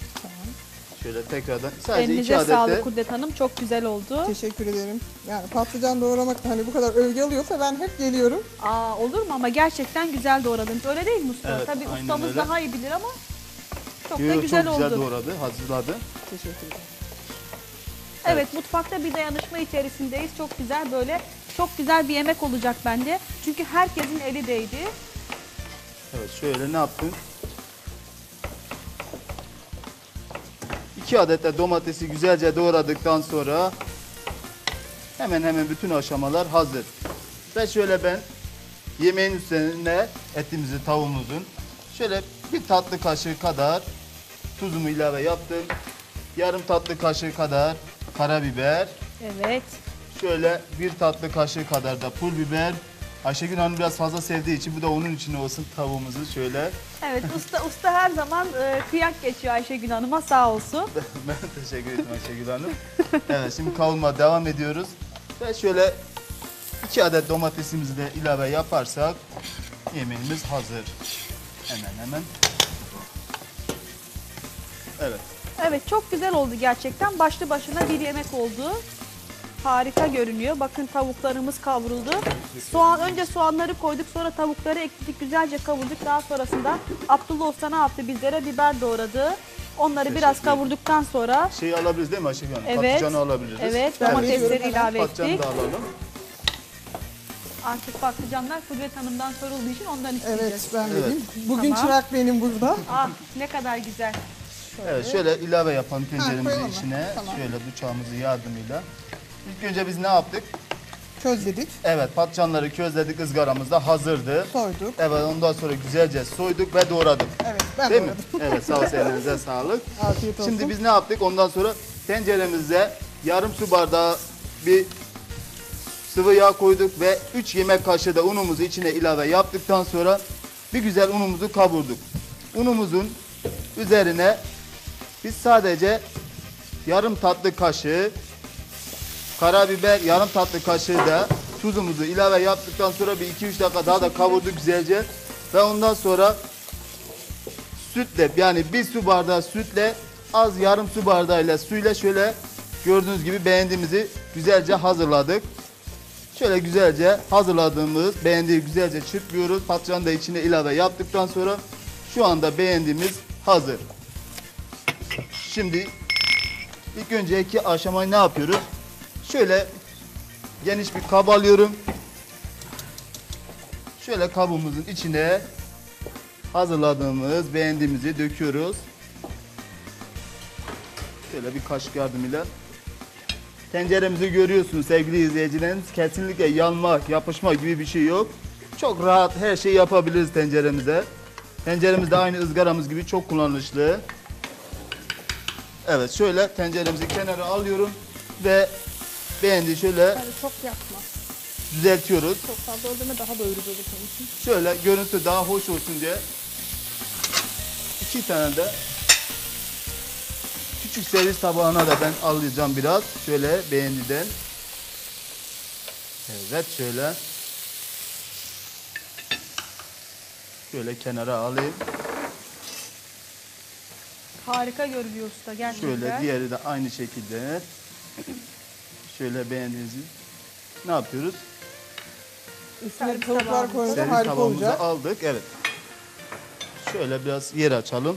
[SPEAKER 4] Şöyle tekrardan sadece iki
[SPEAKER 2] Elinize
[SPEAKER 4] adet de
[SPEAKER 2] sağlık Kudret Hanım. Çok güzel oldu.
[SPEAKER 3] Teşekkür ederim. Yani patlıcan doğramak da hani bu kadar övgü alıyorsa ben hep geliyorum.
[SPEAKER 2] Aa, olur mu ama gerçekten güzel doğradınız. Öyle değil mi usta?
[SPEAKER 4] Evet,
[SPEAKER 2] Tabii
[SPEAKER 4] aynen
[SPEAKER 2] ustamız
[SPEAKER 4] öyle.
[SPEAKER 2] daha iyi bilir ama çok da
[SPEAKER 4] Yo,
[SPEAKER 2] güzel
[SPEAKER 4] çok
[SPEAKER 2] oldu.
[SPEAKER 4] güzel doğradı, hazırladı.
[SPEAKER 3] Teşekkür ederim.
[SPEAKER 2] Evet, mutfakta bir dayanışma içerisindeyiz. Çok güzel böyle çok güzel bir yemek olacak bende. Çünkü herkesin eli değdi.
[SPEAKER 4] Evet şöyle ne yaptın? 2 adet de domatesi güzelce doğradıktan sonra hemen bütün aşamalar hazır. Ve şöyle ben yemeğin üzerine etimizi, tavuğumuzun şöyle bir tatlı kaşığı kadar tuzumu ilave yaptım. Yarım tatlı kaşığı kadar karabiber.
[SPEAKER 2] Evet.
[SPEAKER 4] Şöyle bir tatlı kaşığı kadar da pul biber. Ayşegül Hanım biraz fazla sevdiği için bu da onun için olsun tavuğumuzu şöyle.
[SPEAKER 2] Evet, usta her zaman kıyak geçiyor Ayşegül Hanım'a sağ olsun.
[SPEAKER 4] Ben teşekkür ederim Ayşegül Hanım. Evet şimdi kavurma devam ediyoruz. Ve şöyle 2 adet domatesimizi de ilave yaparsak yemeğimiz hazır. Hemen. Evet.
[SPEAKER 2] Evet, çok güzel oldu gerçekten. Başlı başına bir yemek oldu. Harika görünüyor. Bakın tavuklarımız kavruldu. Önce soğanları koyduk, sonra tavukları ekledik, güzelce kavurduk. Daha sonrasında Abdullah Usta ne yaptı? Bizlere biber doğradı. Onları biraz
[SPEAKER 4] Teşekkür ederim.
[SPEAKER 2] kavurduktan sonra
[SPEAKER 4] Şeyi alabiliriz değil mi Ayşegül Hanım?
[SPEAKER 2] evet,
[SPEAKER 4] Patlıcanı alabiliriz.
[SPEAKER 2] evet
[SPEAKER 3] Ben
[SPEAKER 2] domatesleri
[SPEAKER 3] veriyorum hemen.
[SPEAKER 2] ilave
[SPEAKER 4] Patlıcanı
[SPEAKER 2] ettik.
[SPEAKER 4] da alalım.
[SPEAKER 2] Artık patlıcanlar Kudret Hanım'dan sorulduğu için ondan isteyeceğiz.
[SPEAKER 3] Evet ben
[SPEAKER 4] Evet.
[SPEAKER 3] vereyim. Bugün
[SPEAKER 2] Tamam.
[SPEAKER 3] çırak benim burada.
[SPEAKER 2] Ah, ne kadar güzel.
[SPEAKER 4] Evet şöyle ilave yapalım tenceremizin
[SPEAKER 3] koyalım mı?
[SPEAKER 4] içine.
[SPEAKER 3] Tamam.
[SPEAKER 4] Şöyle bıçağımızın yardımıyla. İlk önce biz ne yaptık?
[SPEAKER 3] Közledik,
[SPEAKER 4] Evet patlıcanları közledik, ızgaramızda hazırdı.
[SPEAKER 3] soyduk.
[SPEAKER 4] Evet ondan sonra güzelce soyduk ve doğradık.
[SPEAKER 3] Evet ben
[SPEAKER 4] Değil mi?
[SPEAKER 3] doğradım.
[SPEAKER 4] Evet sağ olsun elinize sağlık.
[SPEAKER 3] Afiyet olsun.
[SPEAKER 4] Şimdi biz ne yaptık? Ondan sonra tenceremize yarım su bardağı bir sıvı yağ koyduk ve 3 yemek kaşığı da unumuzu içine ilave yaptıktan sonra bir güzel unumuzu kavurduk. Unumuzun üzerine biz sadece yarım tatlı kaşığı karabiber, yarım tatlı kaşığı da tuzumuzu ilave yaptıktan sonra bir 2-3 dakika daha da kavurduk güzelce ve ondan sonra sütle, yani bir su bardağı sütle az yarım su bardağıyla suyla şöyle gördüğünüz gibi beğendiğimizi güzelce hazırladık. Şöyle güzelce hazırladığımız beğendiği güzelce çırpıyoruz. Patlıcanı da içine ilave yaptıktan sonra şu anda beğendiğimiz hazır. Şimdi ilk önceki aşamayı ne yapıyoruz? Şöyle geniş bir kab alıyorum. Şöyle kabımızın içine hazırladığımız beğendiğimizi döküyoruz. Şöyle bir kaşık yardımıyla. Tenceremizi görüyorsunuz sevgili izleyicilerimiz. Kesinlikle yanma, yapışma gibi bir şey yok. Çok rahat her şeyi yapabiliriz tenceremize. Tenceremiz de aynı ızgaramız gibi çok kullanışlı. Evet, şöyle tenceremizi kenara alıyorum ve beğendiği şöyle
[SPEAKER 2] Yani çok yapma.
[SPEAKER 4] düzeltiyoruz.
[SPEAKER 2] Çok fazla öldürme, daha doyurucu olur senin için.
[SPEAKER 4] Şöyle görüntü daha hoş olsun diye 2 tane de küçük servis tabağına da ben alacağım biraz. Şöyle beğendiden. Evet, şöyle. Şöyle kenara alayım.
[SPEAKER 2] Harika görünüyor usta gerçekten.
[SPEAKER 4] Şöyle diğeri de aynı şekilde. Şöyle beğendiğinizi ne yapıyoruz?
[SPEAKER 3] Üstüne
[SPEAKER 2] Servis
[SPEAKER 3] tavuklar
[SPEAKER 2] tabağımızı.
[SPEAKER 3] koyunca
[SPEAKER 4] Servis
[SPEAKER 3] harika
[SPEAKER 4] tabağımızı
[SPEAKER 3] olacak.
[SPEAKER 4] aldık. Evet. Şöyle biraz yer açalım.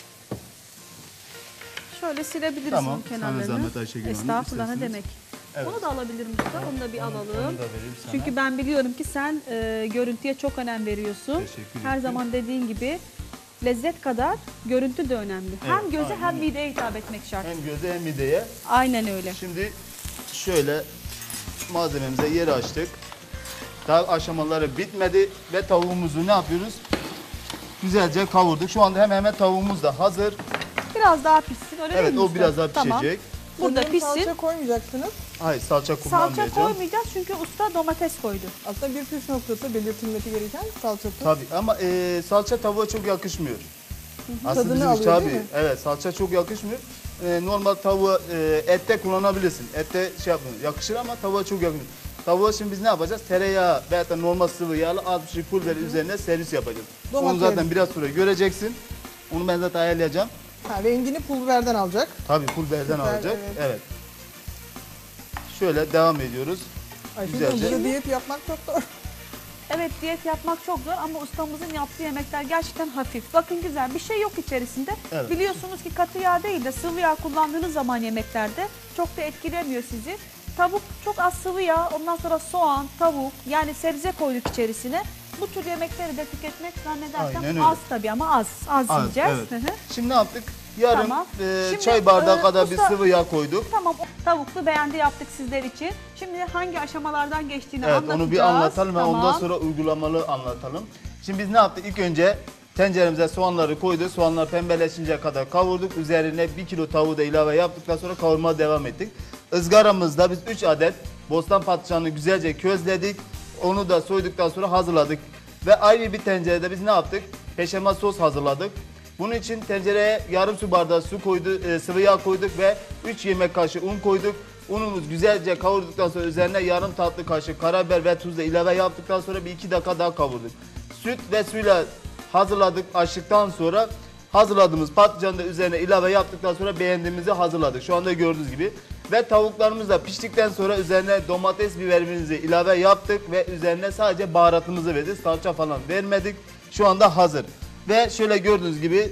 [SPEAKER 2] Şöyle silebiliriz
[SPEAKER 4] Tamam,
[SPEAKER 2] onun
[SPEAKER 4] sana
[SPEAKER 2] kenarlarını.
[SPEAKER 4] zahmet Ayşegül Hanım,
[SPEAKER 2] Estağfurullah, ne
[SPEAKER 4] isterseniz.
[SPEAKER 2] demek.
[SPEAKER 4] Evet.
[SPEAKER 2] Onu da alabilirim usta. Onu da bir alalım.
[SPEAKER 4] Onu da vereyim sana.
[SPEAKER 2] Çünkü ben biliyorum ki sen görüntüye çok önem veriyorsun.
[SPEAKER 4] Teşekkür
[SPEAKER 2] Her
[SPEAKER 4] ederim.
[SPEAKER 2] zaman dediğin gibi lezzet kadar görüntü de önemli. Hem
[SPEAKER 4] Evet,
[SPEAKER 2] göze
[SPEAKER 4] aynen
[SPEAKER 2] hem
[SPEAKER 4] öyle.
[SPEAKER 2] mideye hitap etmek şart.
[SPEAKER 4] Hem göze hem mideye.
[SPEAKER 2] Aynen öyle.
[SPEAKER 4] Şimdi şöyle malzememize yer açtık. Daha aşamaları bitmedi ve tavuğumuzu ne yapıyoruz? Güzelce kavurduk. Şu anda hemen tavuğumuz da hazır.
[SPEAKER 2] Biraz daha pişsin, öyle değil
[SPEAKER 4] Evet,
[SPEAKER 2] mi
[SPEAKER 4] o
[SPEAKER 2] usta?
[SPEAKER 4] biraz daha
[SPEAKER 2] Tamam.
[SPEAKER 4] pişecek.
[SPEAKER 2] Burada
[SPEAKER 3] Sanırım
[SPEAKER 2] pişsin.
[SPEAKER 3] Salça koymayacaksınız.
[SPEAKER 4] Hayır, salça
[SPEAKER 2] Salça
[SPEAKER 4] kullanmayacağım.
[SPEAKER 2] koymayacağız çünkü usta domates koydu.
[SPEAKER 3] Aslında bir püf noktası belirtilmesi gereken salçası.
[SPEAKER 4] Tabii ama salça tavuğa çok yakışmıyor. Aslında
[SPEAKER 3] Tadını
[SPEAKER 4] bizim
[SPEAKER 3] alıyor,
[SPEAKER 4] tabii,
[SPEAKER 3] değil mi?
[SPEAKER 4] evet, salça çok yakışmıyor. Normal tavuğa ette kullanabilirsin. Ette şey yapmıyor, yakışır ama tavuğa çok yakışmıyor. Tavuğa şimdi biz ne yapacağız? Tereyağı veya da normal sıvı yağla az bir şey pul biber üzerine servis yapacağız. Onu
[SPEAKER 3] Domates.
[SPEAKER 4] zaten biraz sonra göreceksin. Onu ben zaten ayarlayacağım.
[SPEAKER 3] Ha, rengini pul biberden alacak.
[SPEAKER 4] Tabii pul biberden
[SPEAKER 3] Süper,
[SPEAKER 4] alacak.
[SPEAKER 3] evet.
[SPEAKER 4] Evet. Şöyle devam ediyoruz.
[SPEAKER 3] Ayşegül Hanım,
[SPEAKER 4] Güzelce.
[SPEAKER 3] burada diyet yapmak çok zor.
[SPEAKER 2] Evet, diyet yapmak çok zor ama ustamızın yaptığı yemekler gerçekten hafif. Bakın güzel, bir şey yok içerisinde.
[SPEAKER 4] Evet.
[SPEAKER 2] Biliyorsunuz ki katı yağ değil de sıvı yağ kullandığınız zaman yemeklerde çok da etkilemiyor sizi. Tavuk çok az sıvı yağ, ondan sonra soğan, tavuk, yani sebze koyduk içerisine. Bu tür yemekleri de tüketmek
[SPEAKER 4] Aynen
[SPEAKER 2] zannedersem
[SPEAKER 4] öyle.
[SPEAKER 2] az tabii ama az
[SPEAKER 4] Az,
[SPEAKER 2] yiyeceğiz.
[SPEAKER 4] evet.
[SPEAKER 2] Hı hı.
[SPEAKER 4] Şimdi ne yaptık? Yarım
[SPEAKER 2] Tamam. Şimdi,
[SPEAKER 4] çay bardağı kadar bir
[SPEAKER 2] usta-
[SPEAKER 4] sıvı yağ koyduk.
[SPEAKER 2] Tamam, tavuklu beğendi yaptık sizler için. Şimdi hangi aşamalardan geçtiğini
[SPEAKER 4] Evet,
[SPEAKER 2] anlatacağız.
[SPEAKER 4] onu bir anlatalım ve
[SPEAKER 2] Tamam.
[SPEAKER 4] ondan sonra uygulamalı anlatalım. Şimdi biz ne yaptık? İlk önce tenceremize soğanları koyduk. Soğanlar pembeleşinceye kadar kavurduk. Üzerine 1 kilo tavuğu da ilave yaptıktan sonra kavurmaya devam ettik. Izgaramızda biz 3 adet bostan patlıcanını güzelce közledik. Onu da soyduktan sonra hazırladık. Ve ayrı bir tencerede biz ne yaptık? Peşamel sos hazırladık. Bunun için tencereye yarım su bardağı su koyduk, sıvı yağ koyduk ve 3 yemek kaşığı un koyduk. Unumuz güzelce kavurduktan sonra üzerine yarım tatlı kaşık karabiber ve tuz da ilave yaptıktan sonra bir 2 dakika daha kavurduk. Süt ve suyla hazırladık, açtıktan sonra hazırladığımız patlıcanı da üzerine ilave yaptıktan sonra beğendiğimizi hazırladık. Şu anda gördüğünüz gibi. Ve tavuklarımız da piştikten sonra üzerine domates biberimizi ilave yaptık ve üzerine sadece baharatımızı verdik. Salça falan vermedik. Şu anda hazır. Ve şöyle gördüğünüz gibi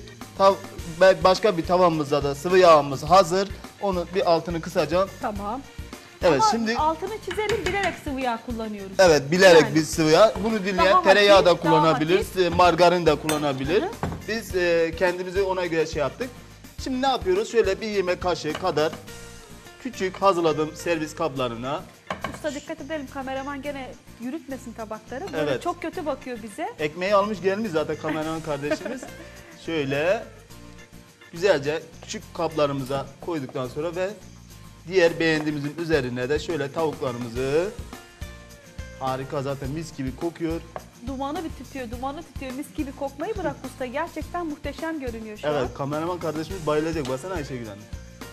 [SPEAKER 4] başka bir tavamızda da sıvı yağımız hazır. Onu bir altını kısacağım.
[SPEAKER 2] Tamam.
[SPEAKER 4] Evet,
[SPEAKER 2] Ama
[SPEAKER 4] şimdi
[SPEAKER 2] altını çizelim, bilerek sıvı yağ kullanıyoruz.
[SPEAKER 4] evet, bilerek
[SPEAKER 2] Yani.
[SPEAKER 4] biz sıvı yağ. Bunu dinleyen
[SPEAKER 2] Daha
[SPEAKER 4] tereyağı da
[SPEAKER 2] hafif, daha
[SPEAKER 4] kullanabilir, margarin de kullanabilir.
[SPEAKER 2] Hı hı.
[SPEAKER 4] Biz kendimizi ona göre şey yaptık. Şimdi ne yapıyoruz? Şöyle bir yemek kaşığı kadar küçük hazırladığım servis kaplarına
[SPEAKER 2] Usta dikkat edelim, kameraman gene yürütmesin tabakları. Böyle
[SPEAKER 4] Evet.
[SPEAKER 2] çok kötü bakıyor bize.
[SPEAKER 4] ekmeği almış gelmiş zaten kameraman kardeşimiz. Şöyle güzelce küçük kaplarımıza koyduktan sonra ve diğer beğendiğimizin üzerine de şöyle tavuklarımızı, harika zaten mis gibi kokuyor.
[SPEAKER 2] Dumanı tütüyor. Mis gibi kokmayı bırak usta. Gerçekten muhteşem görünüyor şu an.
[SPEAKER 4] Evet, kameraman kardeşimiz bayılacak. Baksana Ayşegül Hanım.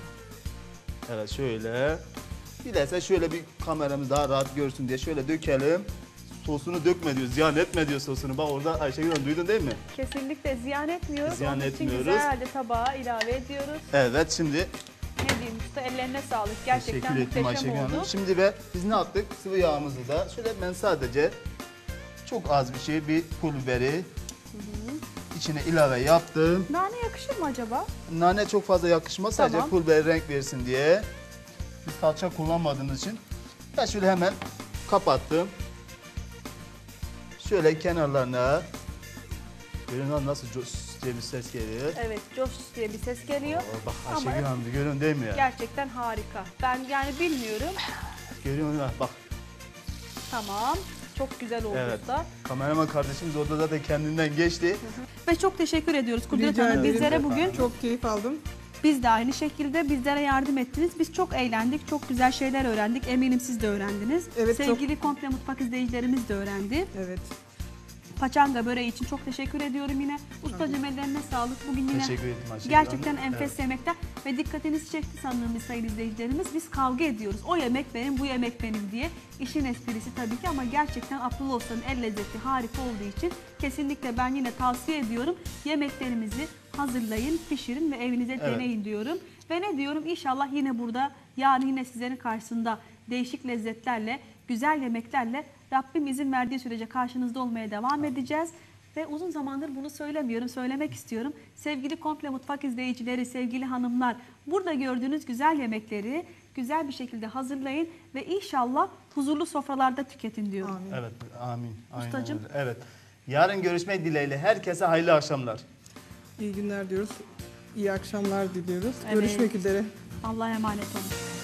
[SPEAKER 4] Evet, şöyle. Dilerse şöyle bir kameramız daha rahat görsün diye şöyle dökelim. sosunu dökme diyor, ziyan etme diyor sosunu. Bak orada Ayşegül Hanım duydun değil mi?
[SPEAKER 2] Kesinlikle ziyan etmiyoruz.
[SPEAKER 4] Ziyan
[SPEAKER 2] Onun
[SPEAKER 4] etmiyoruz.
[SPEAKER 2] için güzel halde tabağa ilave ediyoruz.
[SPEAKER 4] Evet, şimdi
[SPEAKER 2] Ne diyeyim usta, ellerine sağlık. Gerçekten
[SPEAKER 4] teşekkür ettim
[SPEAKER 2] muhteşem
[SPEAKER 4] Ayşegül
[SPEAKER 2] oldu.
[SPEAKER 4] Hanım. Şimdi ve biz ne yaptık? Sıvı yağımızı da şöyle ben sadece çok az bir şey, bir pul biberi içine ilave yaptım.
[SPEAKER 2] Nane yakışır mı acaba?
[SPEAKER 4] Nane çok fazla yakışmaz, sadece
[SPEAKER 2] Tamam.
[SPEAKER 4] pul biber renk versin diye. Biz salça kullanmadığımız için ben şöyle hemen kapattım. Şöyle kenarlarına, görün nasıl cos diye bir ses geliyor.
[SPEAKER 2] Evet, coş diye bir ses geliyor.
[SPEAKER 4] Bak
[SPEAKER 2] Ama
[SPEAKER 4] Ayşegül Hanım görün değil mi ya?
[SPEAKER 2] gerçekten harika. Ben yani bilmiyorum.
[SPEAKER 4] Görüyor musun? Bak.
[SPEAKER 2] Tamam. Çok güzel oldu
[SPEAKER 4] Evet.
[SPEAKER 2] da.
[SPEAKER 4] Kameraman kardeşimiz orada da kendinden geçti.
[SPEAKER 2] Ve çok teşekkür ediyoruz Kudret
[SPEAKER 3] Rica
[SPEAKER 2] Hanım.
[SPEAKER 3] ederim
[SPEAKER 2] Bizlere
[SPEAKER 4] efendim.
[SPEAKER 2] bugün
[SPEAKER 3] Çok keyif aldım.
[SPEAKER 2] biz de aynı şekilde bizlere yardım ettiniz. Biz çok eğlendik. Çok güzel şeyler öğrendik. Eminim siz de öğrendiniz.
[SPEAKER 3] Evet,
[SPEAKER 2] Sevgili Komple Mutfak izleyicilerimiz de öğrendi.
[SPEAKER 3] Evet.
[SPEAKER 2] Paçanga böreği için çok teşekkür ediyorum yine. Ustacığım ellerine sağlık. Bugün yine
[SPEAKER 4] Teşekkür ederim Ayşegül
[SPEAKER 2] gerçekten
[SPEAKER 4] Hanım.
[SPEAKER 2] enfes
[SPEAKER 4] Evet.
[SPEAKER 2] yemekler ve dikkatinizi çekti sanırım biz sayın izleyicilerimiz. Biz kavga ediyoruz. O yemek benim, bu yemek benim diye. İşin esprisi tabii ki ama gerçekten Abdullah Usta'nın el lezzeti harika olduğu için kesinlikle ben yine tavsiye ediyorum. Yemeklerimizi hazırlayın, pişirin ve evinize
[SPEAKER 4] Evet.
[SPEAKER 2] deneyin diyorum. Ve ne diyorum? İnşallah yine burada, yarın yine sizlerin karşısında değişik lezzetlerle, güzel yemeklerle Rabbim izin verdiği sürece karşınızda olmaya devam edeceğiz. Ve uzun zamandır bunu söylemiyorum, söylemek istiyorum. Sevgili Komple Mutfak izleyicileri, sevgili hanımlar, burada gördüğünüz güzel yemekleri güzel bir şekilde hazırlayın ve inşallah huzurlu sofralarda tüketin diyorum.
[SPEAKER 3] Amin.
[SPEAKER 4] Evet, amin. Aynen
[SPEAKER 2] Ustacığım.
[SPEAKER 4] öyle. Evet. Yarın görüşmek dileğiyle. Herkese hayırlı akşamlar.
[SPEAKER 3] İyi günler diyoruz. İyi akşamlar diliyoruz.
[SPEAKER 2] Evet.
[SPEAKER 3] Görüşmek üzere.
[SPEAKER 2] Allah'a emanet olun.